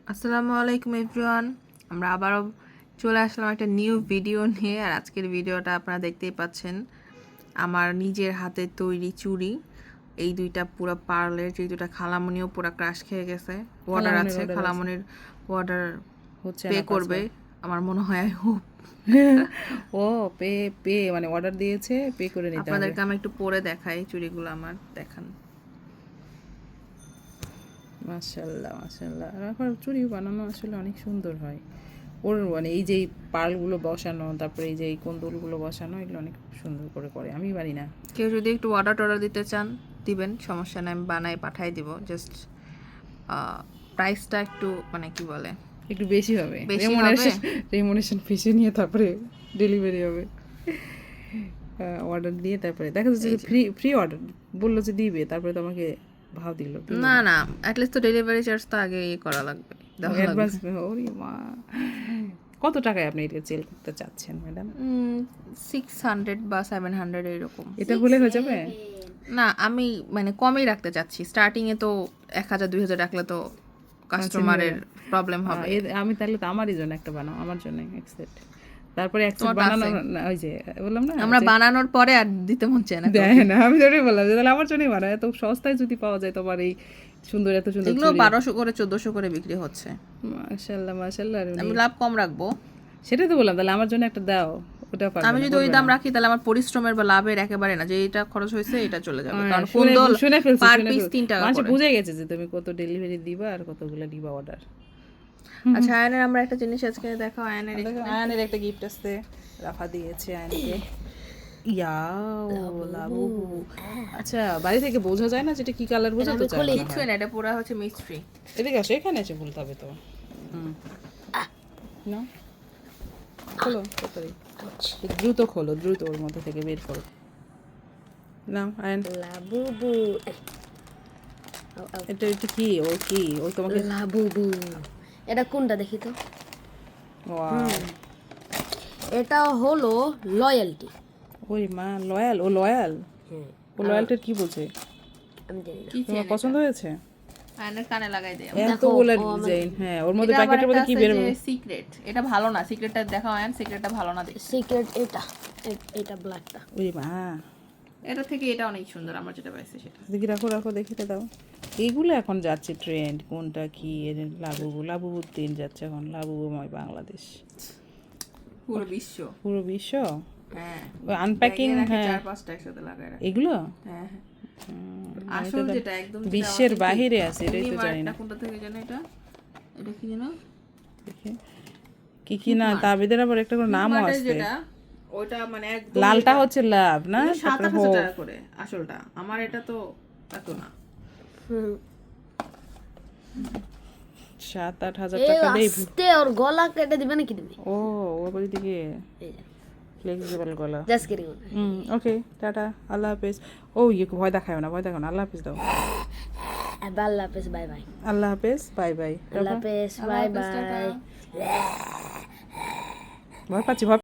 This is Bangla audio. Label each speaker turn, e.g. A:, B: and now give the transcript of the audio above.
A: আসসালামু আলাইকুম এভরিওয়ান। আমরা আবারও চলে আসলাম একটা নিউ ভিডিও নিয়ে। আর আজকের ভিডিওটা আপনারা দেখতেই পাচ্ছেন, আমার নিজের হাতে তৈরি চুড়ি। এই দুইটা পুরো পার্লের, যে দুইটা খালামণিও পুরো ক্রাশ খেয়ে গেছে। অর্ডার আছে, খালামণির অর্ডার
B: হচ্ছে
A: পে করবে আমার মনে হয়। আই হোপ
B: ও পে পে মানে অর্ডার দিয়েছে, পে করে নিতে হবে।
A: আপনাদেরকে আমি একটু পরে দেখাই চুড়িগুলো আমার, দেখান।
B: মাশাআল্লাহ মাশাআল্লাহ। আর এখন চুড়ি বানানো আসলে অনেক সুন্দর হয়। ওর মানে এই যে পার্লগুলো বসানো, তারপরে এই যে এই কোন্দলগুলো বসানো, এগুলো অনেক সুন্দর করে করে। আমি পারি না।
A: কেউ যদি একটু অর্ডার দিতে চান দিবেন, সমস্যা নেই, আমি বানাই পাঠাই দিব। জাস্ট প্রাইসটা একটু মানে কি বলে
B: একটু বেশি হবে,
A: বেশি হবে।
B: রেমুনেশন ফিসে নিয়ে তারপরে ডেলিভারি হবে। অর্ডার দিয়ে তারপরে দেখা যাচ্ছে যে ফ্রি ফ্রি অর্ডার বললো যে দিবে, তারপরে তোমাকে ভাও দিল।
A: না না, অ্যাটলিস্ট তো ডেলিভারি চার্জ তো আগে করা লাগবে,
B: অ্যাডভান্স। ওরে মা, কত টাকায় আপনি এটা সেল করতে চাচ্ছেন ম্যাডাম?
A: 600 বা 700 এরকম।
B: এটা হলে হয়ে যাবে?
A: না, আমি মানে কমই রাখতে চাচ্ছি। স্টার্টিংয়ে তো 1000-2000 রাখলে তো কাস্টমারের প্রবলেম হবে।
B: আমি তাহলে তো আমারই জন্য একটা বানাও, আমার জন্য এক সেট। তারপরে এক সেট বানানো, ওই যে বললাম না,
A: আমরা বানানোর পরে আর দিতে মন চায় না।
B: দেয় না, আমি তোরই বললাম যে তাহলে আমার জন্যই বানাও। এত সস্তায় যদি পাওয়া যায় তোমার এই সুন্দর, এত সুন্দর
A: এগুলো 1200 করে 1400 করে বিক্রি হচ্ছে।
B: মাশাআল্লাহ মাশাআল্লাহ।
A: আমি লাভ কম রাখবো,
B: সেটাই তো বললাম, তাহলে আমার জন্য একটা দাও। ওটা
A: আমি যদি ওই দাম রাখি তাহলে আমার পরিশ্রমের বা লাভের একেবারে না, যে এটা খরচ হয়েছে এটা চলে যাবে। কারণ কুন্দল পার পিস 3 টাকা করে।
B: বুঝে গেছে যে তুমি কত ডেলিভারি দিবা আর কতগুলো দিবা অর্ডার।
A: আচ্ছা, আয়নের আমরা একটা জিনিস আজকে দেখাও।
B: আয়নের একটা গিফট আসছে, রাফা দিয়েছে আয়নকে। লাবু। আচ্ছা, বাড়ি থেকে বোঝা যায় না যেটা কি কালার, বোঝা তো যায়
A: কিছুই না, এটা পুরো হচ্ছে মিস্ট্রি।
B: এদিকে আসো, এখানে এসে বলতে হবে তো। না, খোলো তাড়াতাড়ি, দ্রুত খোলো, দ্রুত ওর মধ্যে থেকে বের করো। না আয়ন,
C: লাবুবু।
B: এটা এটা কি? ও কি? ও তোমাকে
C: লাবুবু। এটা কোনটা দেখি তো?
B: ওয়াও,
C: এটা হলো লয়্যালটি।
B: ওই মা, লয়াল। ও লয়াল। ও লয়ালটার কি বলছে?
C: আমি জানি না।
A: কি
B: তোমার পছন্দ হয়েছে?
A: আয়নের কানে লাগাই দেয়।
B: এতগুলো ডিজাইন। হ্যাঁ, ওর মধ্যে প্যাকেটের মধ্যে কি বের হবে?
A: সিক্রেট, এটা ভালো না। সিক্রেটটা দেখাও আয়ন, সিক্রেটটা ভালো না দেখি।
C: সিক্রেট এটা, এটা ব্ল্যাকটা।
B: ওই মা,
A: এটা থেকে এটা অনেক সুন্দর, আমার যেটা পাইছে সেটা।
B: দেখি, রাখো রাখো, দেখিতে দাও। এইগুলো এখন যাচ্ছে ট্রেন্ড, কোনটা কি? লাবুবু, লাবুবু ট্রেন্ড যাচ্ছে এখন, লাবুবুময় বাংলাদেশ,
A: পুরো বিশ্ব।
B: পুরো বিশ্ব।
A: হ্যাঁ,
B: ওই আনপ্যাকিং, হ্যাঁ,
A: 4-5টা একসাথে লাগায় রাখে।
B: এগুলো
A: হ্যাঁ হ্যাঁ, আসল যেটা একদম
B: বিশ্বের বাহিরে আছে, এটাই তো জানি না।
A: কোনটা থেকে জানো এটা? এটা কি জানো?
B: দেখি কি কি না, তাবিদের আবার একটা করে নামও আছে।
A: যেটা ওটা মানে একদম
B: লালটা হচ্ছে লাভ না,
A: 7,000 টাকা করে আসলটা। আমার এটা তো এত না।
B: 7-8 হাজার
C: এই
B: টাকা দেই।
C: আস্তে ওর গলা কেটে দিবে নাকি তুমি?
B: ও, ওর বাড়ি থেকে
C: এই যে
B: ফ্লেক্সিবল গলা।
C: Just kidding.
B: ওকে, টাটা, আল্লাহ হাফেজ। ও ইয়ে, ভয় দেখায় না, ভয় দেখাও না, আল্লাহ হাফেজ দাও।
C: আল্লাহ হাফেজ, বাই বাই।
B: আল্লাহ হাফেজ, বাই বাই।
C: আল্লাহ হাফেজ, বাই বাই।
B: ভয় পাচ্ছি, ভয়